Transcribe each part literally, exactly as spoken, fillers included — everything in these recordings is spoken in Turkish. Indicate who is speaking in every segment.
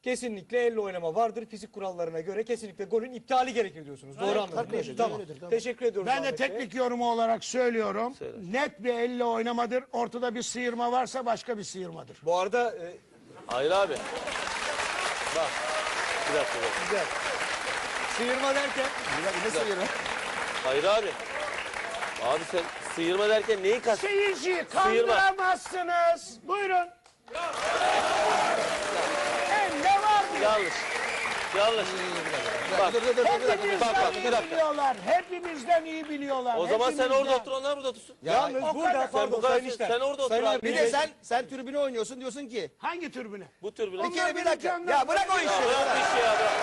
Speaker 1: kesinlikle elle oynama vardır. Fizik kurallarına göre kesinlikle golün iptali gerekir diyorsunuz. Doğru anladım. değil mi? Tamam. Teşekkür ediyoruz.
Speaker 2: Ben de
Speaker 1: Ahmet Bey.
Speaker 2: teknik yorumu olarak söylüyorum. Net bir elle oynamadır. Ortada bir sıyırma varsa başka bir sıyırmadır.
Speaker 1: Bu arada e,
Speaker 3: Hayır abi. Bak. Bir dakika. Bir dakika.
Speaker 1: güzel. Sıyırma derken
Speaker 3: Ne sıyırma? Hayır abi. Abi sen sıyırma derken neyi kast?
Speaker 2: Seyirciyi kandıramazsınız. Buyurun. Elle var diyor.
Speaker 3: Yanlış. Yanlış. Bak.
Speaker 2: Hepimizden
Speaker 3: Bak bak bir
Speaker 2: iyi
Speaker 3: dakika.
Speaker 2: biliyorlar. Hepimizden iyi biliyorlar.
Speaker 3: O zaman sen
Speaker 2: Hepimizden.
Speaker 3: orada otur, onlar burada otursun.
Speaker 1: yalnız
Speaker 2: o
Speaker 1: burada
Speaker 2: kadar-
Speaker 1: pardon
Speaker 3: Sen bu kadar-
Speaker 1: Sayın İşler.
Speaker 3: sen orada otur
Speaker 1: Sayın
Speaker 3: abi.
Speaker 1: abi,
Speaker 4: Bir de sen sen tribüne oynuyorsun diyorsun ki
Speaker 2: Hangi türbüne?
Speaker 3: Bu tür bile.
Speaker 2: Onlar
Speaker 4: bir kere bir
Speaker 2: benim
Speaker 4: dakika.
Speaker 2: canlarım.
Speaker 4: Ya bırak o işi.
Speaker 3: Ya bırak bu işi ya bırak.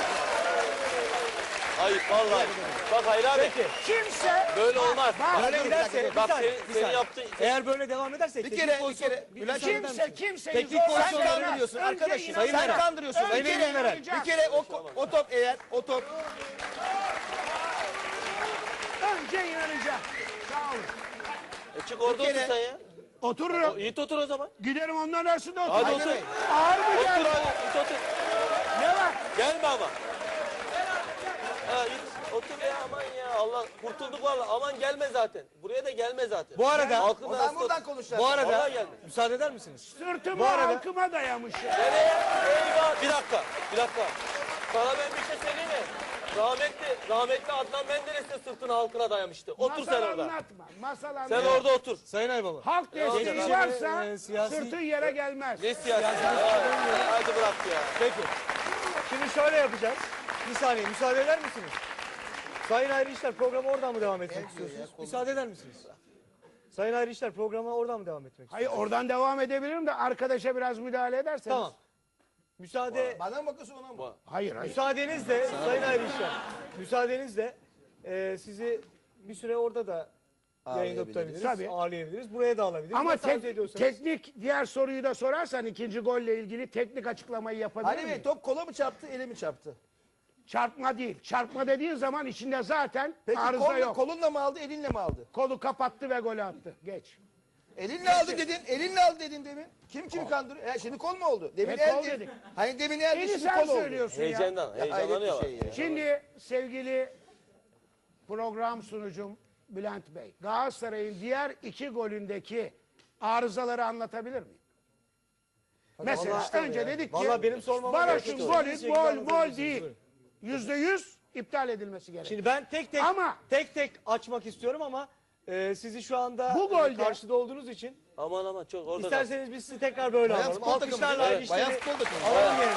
Speaker 3: Ayıp vallahi. Bak Hayır abi.
Speaker 1: Peki.
Speaker 2: Kimse
Speaker 3: Böyle olmaz.
Speaker 1: Böyle
Speaker 4: dur, bir
Speaker 1: giderse
Speaker 4: dakika,
Speaker 1: bir
Speaker 3: Bak
Speaker 1: saniye,
Speaker 3: senin,
Speaker 1: bir
Speaker 3: senin
Speaker 1: saniye.
Speaker 3: yaptığın...
Speaker 1: Eğer böyle devam edersek
Speaker 4: Bir
Speaker 1: teknik
Speaker 4: kere- bir
Speaker 1: pozisyon-
Speaker 4: kere-
Speaker 1: bir
Speaker 4: Bülent,
Speaker 1: müsaade eder
Speaker 2: kimse
Speaker 1: misiniz?
Speaker 2: kimseyi
Speaker 1: Teknik
Speaker 2: zorla-
Speaker 1: pozisyon
Speaker 4: sen
Speaker 2: Sayın
Speaker 4: kandırıyorsun
Speaker 2: Eren,
Speaker 4: arkadaşım.
Speaker 2: önce
Speaker 4: Sen
Speaker 2: inanacaksın.
Speaker 4: kandırıyorsun.
Speaker 2: Önce
Speaker 4: Bir kere,
Speaker 2: inanacaksın.
Speaker 4: bir kere o, o top eğer o top
Speaker 2: Önce inanacak. Sağ olun.
Speaker 3: E çık orada
Speaker 4: Bir kere-
Speaker 3: otur sen ya.
Speaker 2: Otururum.
Speaker 3: O, iyi otur o zaman.
Speaker 2: Giderim onların arasında
Speaker 3: Hadi
Speaker 2: otururum.
Speaker 3: otur.
Speaker 2: Ağır mı
Speaker 3: Otur
Speaker 2: geldi?
Speaker 3: hadi. Git otur.
Speaker 2: Ne var?
Speaker 3: Gelme ama. Ha git. Otur ya aman ya. Allah kurtulduk vallahi. Aman gelme zaten. Buraya da gelme zaten.
Speaker 1: Bu arada
Speaker 3: Halkın
Speaker 4: o zaman
Speaker 3: arasında
Speaker 4: buradan
Speaker 3: otur.
Speaker 4: konuşacağız.
Speaker 1: bu arada
Speaker 3: Vallahi gelme.
Speaker 1: müsaade eder misiniz?
Speaker 2: Sırtımı
Speaker 1: Bu arada-
Speaker 2: halkıma dayamışım.
Speaker 3: Nereye? Eyvah. Bir dakika. Bir dakika. Sana ben bir şey söyleyeyim mi? Rahmetli, rahmetli Adnan Menderes de sırtını halkına dayamıştı. Otur
Speaker 2: Masal
Speaker 3: sen orada.
Speaker 2: anlatma. Masal
Speaker 3: Sen
Speaker 2: anlatma.
Speaker 3: orada otur.
Speaker 1: Sayın Aybaba.
Speaker 2: Halk desteği
Speaker 1: Geçmişe
Speaker 2: varsa
Speaker 1: ve, e, siyasi-
Speaker 2: sırtı yere gelmez.
Speaker 3: Ne siyasi? Hadi bırak ya.
Speaker 1: Peki. Şimdi şöyle yapacağız. Bir saniye müsaade eder misiniz? Sayın Ayrı İşler programı oradan mı devam etmek istiyorsunuz? Müsaade eder misiniz? Sayın Ayrı İşler programı oradan mı devam etmek
Speaker 2: Hayır
Speaker 1: istiyorsunuz?
Speaker 2: oradan devam edebilirim de arkadaşa biraz müdahale ederseniz.
Speaker 1: Tamam. Müsaade
Speaker 4: bana mı bakıyorsun ona mı?
Speaker 2: Hayır hayır.
Speaker 1: müsaadenizle Sayın Ayrı İşler. Müsaadenizle e, sizi bir süre orada da yayında tutabiliriz.
Speaker 2: Tabii.
Speaker 1: Ağırlayabiliriz. Buraya da alabiliriz.
Speaker 2: Ama
Speaker 1: Nasıl arzu
Speaker 2: tek-
Speaker 1: ediyorsanız.
Speaker 2: teknik diğer soruyu da sorarsan ikinci golle ilgili teknik açıklamayı yapabilir
Speaker 4: Ali Bey
Speaker 2: miyim?
Speaker 4: top kola mı çarptı, ele mi çarptı?
Speaker 2: Çarpma değil. Çarpma dediğin zaman içinde zaten
Speaker 4: Peki
Speaker 2: arıza
Speaker 4: kolla,
Speaker 2: yok.
Speaker 4: kolunla mı aldı, elinle mi aldı?
Speaker 2: Kolu kapattı ve golü attı. Geç.
Speaker 4: Elinle aldı dedin, elinle aldı dedin demin. Kim kimi kandırıyor? E, şimdi kol mu oldu? Demin
Speaker 2: E, kol
Speaker 4: eldi.
Speaker 2: dedik.
Speaker 4: Hani demin eldi,
Speaker 2: Beni
Speaker 4: şimdi
Speaker 2: sen
Speaker 4: kol oldu.
Speaker 2: söylüyorsun ya.
Speaker 3: Heyecandan,
Speaker 4: Hayret
Speaker 3: heyecanlanıyor
Speaker 4: bir
Speaker 3: bak.
Speaker 4: şey ya.
Speaker 2: Şimdi sevgili program sunucum Bülent Bey, Galatasaray'ın diğer iki golündeki arızaları anlatabilir miyim? Mesela
Speaker 1: vallahi-
Speaker 2: önce dedik ki
Speaker 1: Vallahi benim sormama
Speaker 2: Barış'ın
Speaker 1: gerek yok.
Speaker 2: golü
Speaker 1: Şekilde
Speaker 2: gol
Speaker 1: anlatabilirsiniz,
Speaker 2: gol değil.
Speaker 1: buyurun.
Speaker 2: Yüzde yüz iptal edilmesi gerekiyor.
Speaker 1: Şimdi ben tek tek
Speaker 2: Ama-
Speaker 1: tek tek açmak istiyorum ama e, sizi şu anda
Speaker 2: Bu
Speaker 1: e,
Speaker 2: golde-
Speaker 1: karşıda olduğunuz için
Speaker 3: Aman aman çok orada.
Speaker 1: isterseniz biz sizi tekrar böyle
Speaker 4: Bayan
Speaker 1: alalım.
Speaker 4: futbol takımı
Speaker 1: Alkışlarla
Speaker 4: değil mi?
Speaker 1: Ayrı
Speaker 4: Evet, bayan
Speaker 1: İşler'i
Speaker 4: futbol takımı.
Speaker 1: alalım yerine.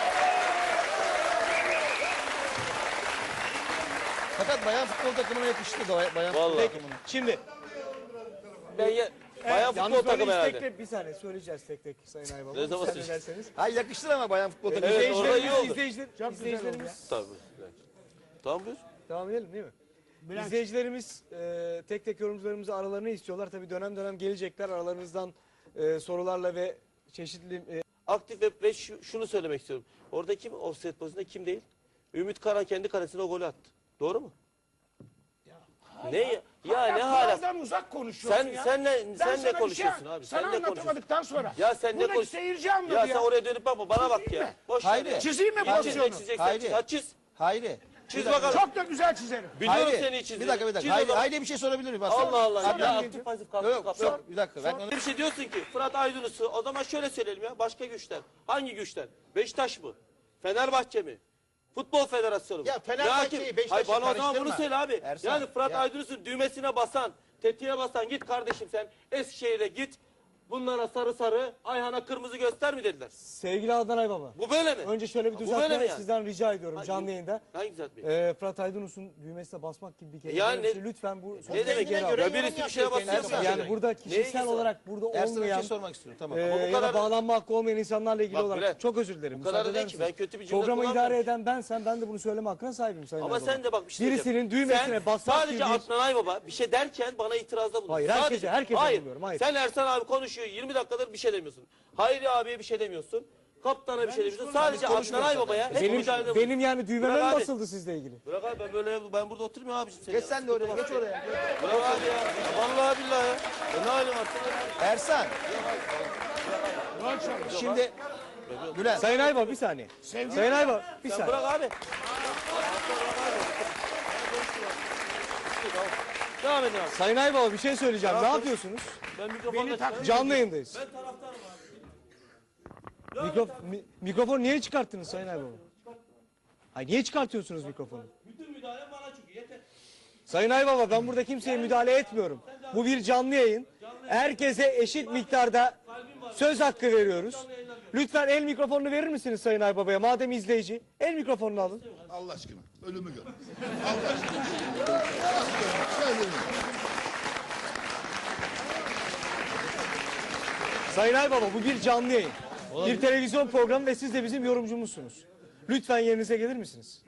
Speaker 4: Fakat bayan futbol takımına yakıştı da bayan futbol
Speaker 3: Vallahi.
Speaker 4: takımına.
Speaker 1: Şimdi
Speaker 3: Ben ya, bayağı
Speaker 1: yalnız
Speaker 3: futbol
Speaker 1: böyle
Speaker 3: takımı
Speaker 1: tek
Speaker 3: herhalde.
Speaker 1: tek bir saniye söyleyeceğiz tek tek Sayın Aybaba.
Speaker 3: Ne zaman
Speaker 1: Müsaade
Speaker 3: söyleyeceğiz?
Speaker 1: ederseniz.
Speaker 4: Hayır yakıştır ama bayan futbol takımına.
Speaker 3: Evet, orada iyi
Speaker 1: İzleyicilerimiz,
Speaker 3: oldu.
Speaker 1: izleyiciler, izleyicilerimiz
Speaker 3: Tabii. Tamam buyur.
Speaker 1: devam edelim değil mi? İzleyicilerimiz e, tek tek yorumcularımızı aralarını istiyorlar. Tabii dönem dönem gelecekler aralarınızdan e, sorularla ve çeşitli e,
Speaker 3: Aktif ve, ve şu- şunu söylemek istiyorum. Orada kim offset pozisyonunda kim değil? Ümit Karan kendi kalesine o golü attı. Doğru mu? Ne ya? Ya ne hala?
Speaker 2: Kuraldan uzak konuşuyorsun
Speaker 3: Sen
Speaker 2: ya.
Speaker 3: senle
Speaker 2: Ben
Speaker 3: sen
Speaker 2: sana
Speaker 3: ne
Speaker 2: bir şey-
Speaker 3: konuşuyorsun abi?
Speaker 2: Sana
Speaker 3: Sen ne konuşuyorsun?
Speaker 2: anlatamadıktan sonra.
Speaker 3: Ya sen ne
Speaker 2: Buradaki
Speaker 3: konuş-
Speaker 2: seyirci anladı
Speaker 3: Ya
Speaker 2: ya.
Speaker 3: sen oraya dönüp bakma bana bak
Speaker 2: Çizeyim
Speaker 3: ya.
Speaker 2: mi?
Speaker 3: Boş ver
Speaker 4: Haydi.
Speaker 3: ya.
Speaker 2: Çizeyim mi
Speaker 3: Ya çiz-
Speaker 2: pozisyonu?
Speaker 3: çizeceksen
Speaker 4: Haydi.
Speaker 3: çiz. Ha, çiz.
Speaker 4: Hayri.
Speaker 3: Çiz bakalım.
Speaker 2: Çok da güzel çizerim.
Speaker 3: Biliyorum
Speaker 4: Hayri.
Speaker 3: seni çizdiğini.
Speaker 4: Bir dakika bir
Speaker 3: Çiz
Speaker 4: dakika.
Speaker 3: o
Speaker 4: Hayri,
Speaker 3: zaman.
Speaker 4: Hayri bir şey sorabilir miyim? Bak,
Speaker 3: Allah Allah
Speaker 4: Hadi
Speaker 3: ya.
Speaker 4: abi.
Speaker 3: Aktif pasif
Speaker 4: Yok
Speaker 3: kalktı
Speaker 4: yok
Speaker 3: kapsa.
Speaker 4: yok. Bir dakika. Ben onu...
Speaker 3: Bir şey diyorsun ki Fırat Aydınus'u o zaman şöyle söyleyelim ya. Başka güçler. Hangi güçler? Beşiktaş mı? Fenerbahçe mi? Futbol Federasyonu mu?
Speaker 4: Ya Fenerbahçe'yi,
Speaker 3: Ne hakim?
Speaker 4: Beşiktaş'ı
Speaker 3: Hayır bana o zaman bunu
Speaker 4: karıştırma.
Speaker 3: söyle abi.
Speaker 4: Ersan,
Speaker 3: yani Fırat
Speaker 4: ya.
Speaker 3: Aydınus'un düğmesine basan, tetiğe basan git kardeşim sen Eskişehir'e git. Bunlara sarı sarı, Ayhan'a kırmızı göster mi dediler.
Speaker 1: sevgili Adnan Aybaba.
Speaker 3: Bu böyle mi?
Speaker 1: Önce şöyle bir
Speaker 3: Bu böyle mi
Speaker 1: düzeltme
Speaker 3: yani?
Speaker 1: sizden rica ediyorum
Speaker 3: Hangi-
Speaker 1: canlı yayında.
Speaker 3: Hangi düzeltme?
Speaker 1: Ee, Fırat Aydınus'un düğmesine basmak gibi bir kelime.
Speaker 3: Yani
Speaker 1: böyle bir
Speaker 3: ne-
Speaker 1: şey. Lütfen bu
Speaker 3: Ne
Speaker 1: sözleri
Speaker 3: demek
Speaker 1: geri
Speaker 3: ya?
Speaker 1: alın.
Speaker 3: Ya birisi bir şeye basıyor.
Speaker 4: Ersan,
Speaker 1: Yani burada
Speaker 3: Neye
Speaker 1: kişisel
Speaker 3: ilgisi var?
Speaker 1: olarak burada
Speaker 4: Ersan'a bir
Speaker 1: olmayan
Speaker 4: şey sormak istiyorum. Tamam.
Speaker 1: e,
Speaker 3: Ama bu
Speaker 1: ya
Speaker 3: kadar-
Speaker 1: da bağlanma hakkı olmayan insanlarla ilgili
Speaker 3: Bak
Speaker 1: olarak
Speaker 3: Bülent,
Speaker 1: çok özür dilerim.
Speaker 3: bu kadar
Speaker 1: müsaade
Speaker 3: değil
Speaker 1: eder
Speaker 3: ki,
Speaker 1: misiniz?
Speaker 3: ben kötü bir cümle
Speaker 1: Programı idare
Speaker 3: kullanmıyorum.
Speaker 1: eden bensem ben de bunu söyleme hakkına sahibim Sayın
Speaker 3: Ama
Speaker 1: Aybaba.
Speaker 3: sen de bak bir şey
Speaker 1: Birisinin
Speaker 3: diyeceğim.
Speaker 1: düğmesine
Speaker 3: Sen
Speaker 1: basmak
Speaker 3: sadece
Speaker 1: gibi bir-
Speaker 3: Adnan Aybaba bir şey derken bana itirazda bulun.
Speaker 1: Hayır, herkese-
Speaker 3: Sadece-
Speaker 1: herkese
Speaker 3: hayır.
Speaker 1: bulunuyorum, hayır.
Speaker 3: Sen Ersan abi konuşuyor yirmi dakikadır bir şey demiyorsun. Hayri abiye bir şey demiyorsun. Kaptana bir şey demiyorsun. Sadece Adnan Aybaba'ya hep
Speaker 1: Benim,
Speaker 3: mücadelede bulun.
Speaker 1: benim yani düğmeme
Speaker 3: Bırak
Speaker 1: mi
Speaker 3: abi.
Speaker 1: basıldı sizle ilgili?
Speaker 3: Bırak abi ben böyle ben burada oturmuyorum abiciğim.
Speaker 4: Geç sen de oraya. Geç oraya.
Speaker 3: Bırak abi ya. Vallahi billahi ya. E ne halim var?
Speaker 4: Ersan. Şimdi Bülent.
Speaker 1: Sayın Aybaba bir saniye.
Speaker 2: Sevgili-
Speaker 1: Sayın Aybaba bir
Speaker 3: Sen
Speaker 1: saniye.
Speaker 3: bırak abi. Devam edin abi.
Speaker 1: Sayın Aybaba bir şey söyleyeceğim. Ne yapıyorsunuz?
Speaker 3: Ben mikrofonda
Speaker 2: Beni tak-
Speaker 1: Canlı yayındayız.
Speaker 3: Ben taraftarım abi.
Speaker 1: Mikrof mi- mikrofonu niye çıkarttınız Sayın Aybaba? Ay niye çıkartıyorsunuz mikrofonu?
Speaker 3: Bütün müdahale bana çünkü yeter.
Speaker 1: Sayın Aybaba ben burada kimseye müdahale etmiyorum. Bu bir canlı yayın. Herkese eşit miktarda söz hakkı veriyoruz. Lütfen el mikrofonunu verir misiniz Sayın Aybaba'ya? Madem izleyici. El mikrofonunu alın.
Speaker 5: Allah aşkına ölümü gör. Allah aşkına. Söyle.
Speaker 1: Sayın Aybaba bu bir canlı yayın. Bir televizyon programı ve siz de bizim yorumcumuzsunuz. Lütfen yerinize gelir misiniz?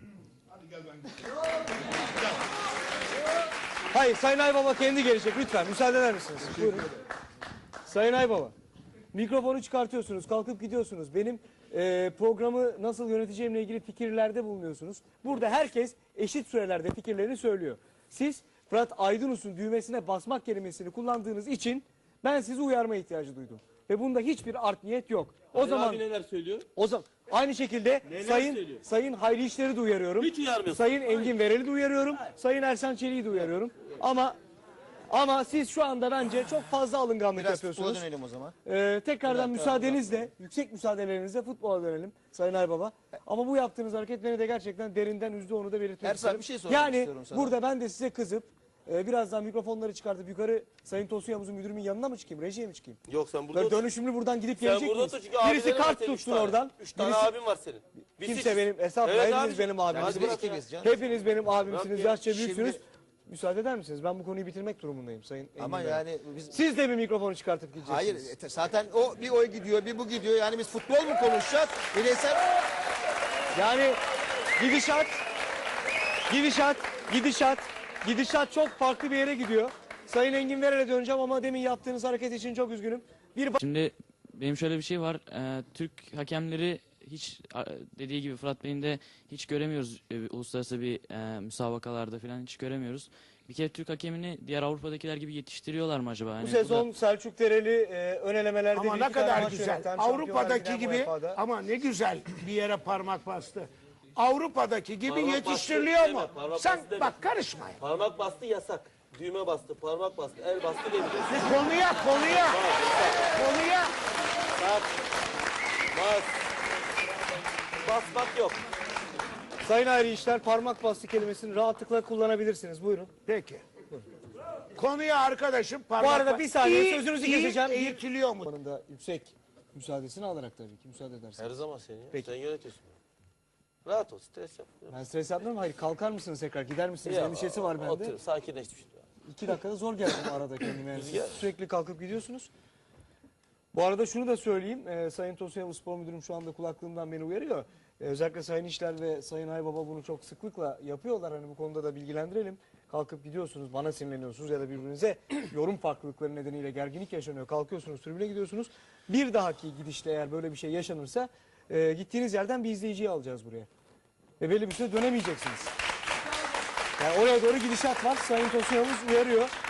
Speaker 1: Hayır Sayın Aybaba kendi gelecek lütfen müsaade eder misiniz? Buyurun. Sayın Aybaba mikrofonu çıkartıyorsunuz kalkıp gidiyorsunuz. Benim e, programı nasıl yöneteceğimle ilgili fikirlerde bulunuyorsunuz. Burada herkes eşit sürelerde fikirlerini söylüyor. Siz Fırat Aydınus'un düğmesine basmak kelimesini kullandığınız için ben sizi uyarma ihtiyacı duydum. Ve bunda hiçbir art niyet yok. O
Speaker 3: Ali
Speaker 1: zaman
Speaker 3: abi neler söylüyor?
Speaker 1: o zaman aynı şekilde
Speaker 3: Neler
Speaker 1: Sayın
Speaker 3: söylüyor?
Speaker 1: Sayın Hayri İşler'i de uyarıyorum.
Speaker 3: Hiç uyarmıyorsun.
Speaker 1: Sayın Engin Verel'i de uyarıyorum. Sayın Ersan Çelik'i de uyarıyorum. Ama ama siz şu anda bence çok fazla alınganlık
Speaker 4: Biraz futbola
Speaker 1: yapıyorsunuz.
Speaker 4: dönelim o zaman.
Speaker 1: Ee, tekrardan müsaadenizle, yüksek müsaadelerinizle futbola dönelim Sayın Aybaba. Ama bu yaptığınız hareket beni de gerçekten derinden üzdü, onu da belirtmek
Speaker 4: Ersan,
Speaker 1: isterim.
Speaker 4: bir şey sormak
Speaker 1: yani
Speaker 4: istiyorum sana.
Speaker 1: burada ben de size kızıp e, birazdan mikrofonları çıkartıp yukarı Sayın Tosun Yavuz'un müdürümün yanına mı çıkayım, rejiye mi çıkayım?
Speaker 3: Yok sen burada
Speaker 1: Böyle
Speaker 3: otur.
Speaker 1: dönüşümlü buradan gidip
Speaker 3: Sen
Speaker 1: gelecek
Speaker 3: burada
Speaker 1: miyiz?
Speaker 3: otur çünkü
Speaker 1: Birisi
Speaker 3: abilerin var
Speaker 1: kart
Speaker 3: senin, üç
Speaker 1: tutsun
Speaker 3: tane.
Speaker 1: oradan.
Speaker 3: Üç tane
Speaker 1: Birisi-
Speaker 3: abin var senin. Biz
Speaker 1: Kimse
Speaker 3: sekiz.
Speaker 1: benim estağfurullah
Speaker 3: Evet
Speaker 1: hepiniz
Speaker 3: abi.
Speaker 1: benim abimsiniz.
Speaker 4: biz de ikimiz canım.
Speaker 1: Hepiniz benim abimsiniz.
Speaker 3: Yok ya,
Speaker 1: Yaşça büyüksünüz.
Speaker 4: şimdi-
Speaker 1: Müsaade eder misiniz? Ben bu konuyu bitirmek durumundayım Sayın
Speaker 4: Ama
Speaker 1: Engin Bey.
Speaker 4: yani biz...
Speaker 1: Siz de bir mikrofonu çıkartıp gideceksiniz.
Speaker 4: Hayır e, zaten o bir o gidiyor bir bu gidiyor. Yani biz futbol mu konuşacağız? Bireysel...
Speaker 1: Yani gidişat, gidişat, gidişat, gidişat çok farklı bir yere gidiyor. Sayın Engin Verel'e döneceğim ama demin yaptığınız hareket için çok üzgünüm. Bir
Speaker 6: Şimdi benim şöyle bir şey var. Ee, Türk hakemleri hiç a- dediği gibi Fırat Bey'in de hiç göremiyoruz. e, uluslararası bir e, müsabakalarda falan hiç göremiyoruz. Bir kere Türk hakemini diğer Avrupa'dakiler gibi yetiştiriyorlar mı acaba?
Speaker 1: bu
Speaker 6: Yani bu
Speaker 1: sezon
Speaker 6: da-
Speaker 1: Selçuk Dereli e, ön elemelerde
Speaker 2: Ama
Speaker 1: bir
Speaker 2: ne
Speaker 1: iki tane
Speaker 2: kadar
Speaker 1: maç
Speaker 2: güzel.
Speaker 1: yöneten, Şampiyonlar
Speaker 2: Avrupa'daki
Speaker 1: Ligi'nden
Speaker 2: gibi
Speaker 1: U E F A'da.
Speaker 2: ama ne güzel bir yere parmak bastı. Avrupa'daki gibi
Speaker 3: Parmak
Speaker 2: yetiştiriliyor
Speaker 3: bastı
Speaker 2: mu?
Speaker 3: deme, parmak
Speaker 2: Sen
Speaker 3: bastı deme.
Speaker 2: bak karışma.
Speaker 3: Parmak bastı yasak. Düğme bastı, parmak bastı, el bastı demeyeceksin.
Speaker 2: Konuya konuya konuya.
Speaker 3: Bak. Bas. Basmak yok.
Speaker 1: Sayın Ayrı İşler parmak bastı kelimesini rahatlıkla kullanabilirsiniz. Buyurun.
Speaker 2: Peki. Konuya arkadaşım parmak
Speaker 1: Bu arada
Speaker 2: bas-
Speaker 1: bir saniye
Speaker 2: İyi-
Speaker 1: sözünüzü
Speaker 2: iyi
Speaker 1: keseceğim.
Speaker 2: Eğitiliyor mu?
Speaker 1: Yanında yüksek müsaadesini alarak tabii ki müsaade ederseniz.
Speaker 3: Her zaman senin ya.
Speaker 1: Peki.
Speaker 3: Sen yönetiyorsun. Rahat ol, stres yap.
Speaker 1: Ben stres yapmıyorum. Hayır kalkar mısınız tekrar gider misiniz?
Speaker 3: Ya,
Speaker 1: Endişesi var bende.
Speaker 3: Otur, sakinleş.
Speaker 1: İki dakikada zor geldim arada kendime. Yani.
Speaker 3: Rüzgar.
Speaker 1: Siz sürekli kalkıp gidiyorsunuz. Bu arada şunu da söyleyeyim. Ee, Sayın Tosun Yavuz Spor Müdürüm şu anda kulaklığımdan beni uyarıyor. Ee, özellikle Sayın İşler ve Sayın Aybaba bunu çok sıklıkla yapıyorlar. Hani bu konuda da bilgilendirelim. Kalkıp gidiyorsunuz, bana sinirleniyorsunuz ya da birbirinize yorum farklılıkları nedeniyle gerginlik yaşanıyor. Kalkıyorsunuz, tribüne gidiyorsunuz. Bir dahaki gidişte eğer böyle bir şey yaşanırsa e, gittiğiniz yerden bir izleyiciyi alacağız buraya. Ve belli bir süre dönemeyeceksiniz. Yani oraya doğru gidişat var. Sayın Tosun Yavuz uyarıyor.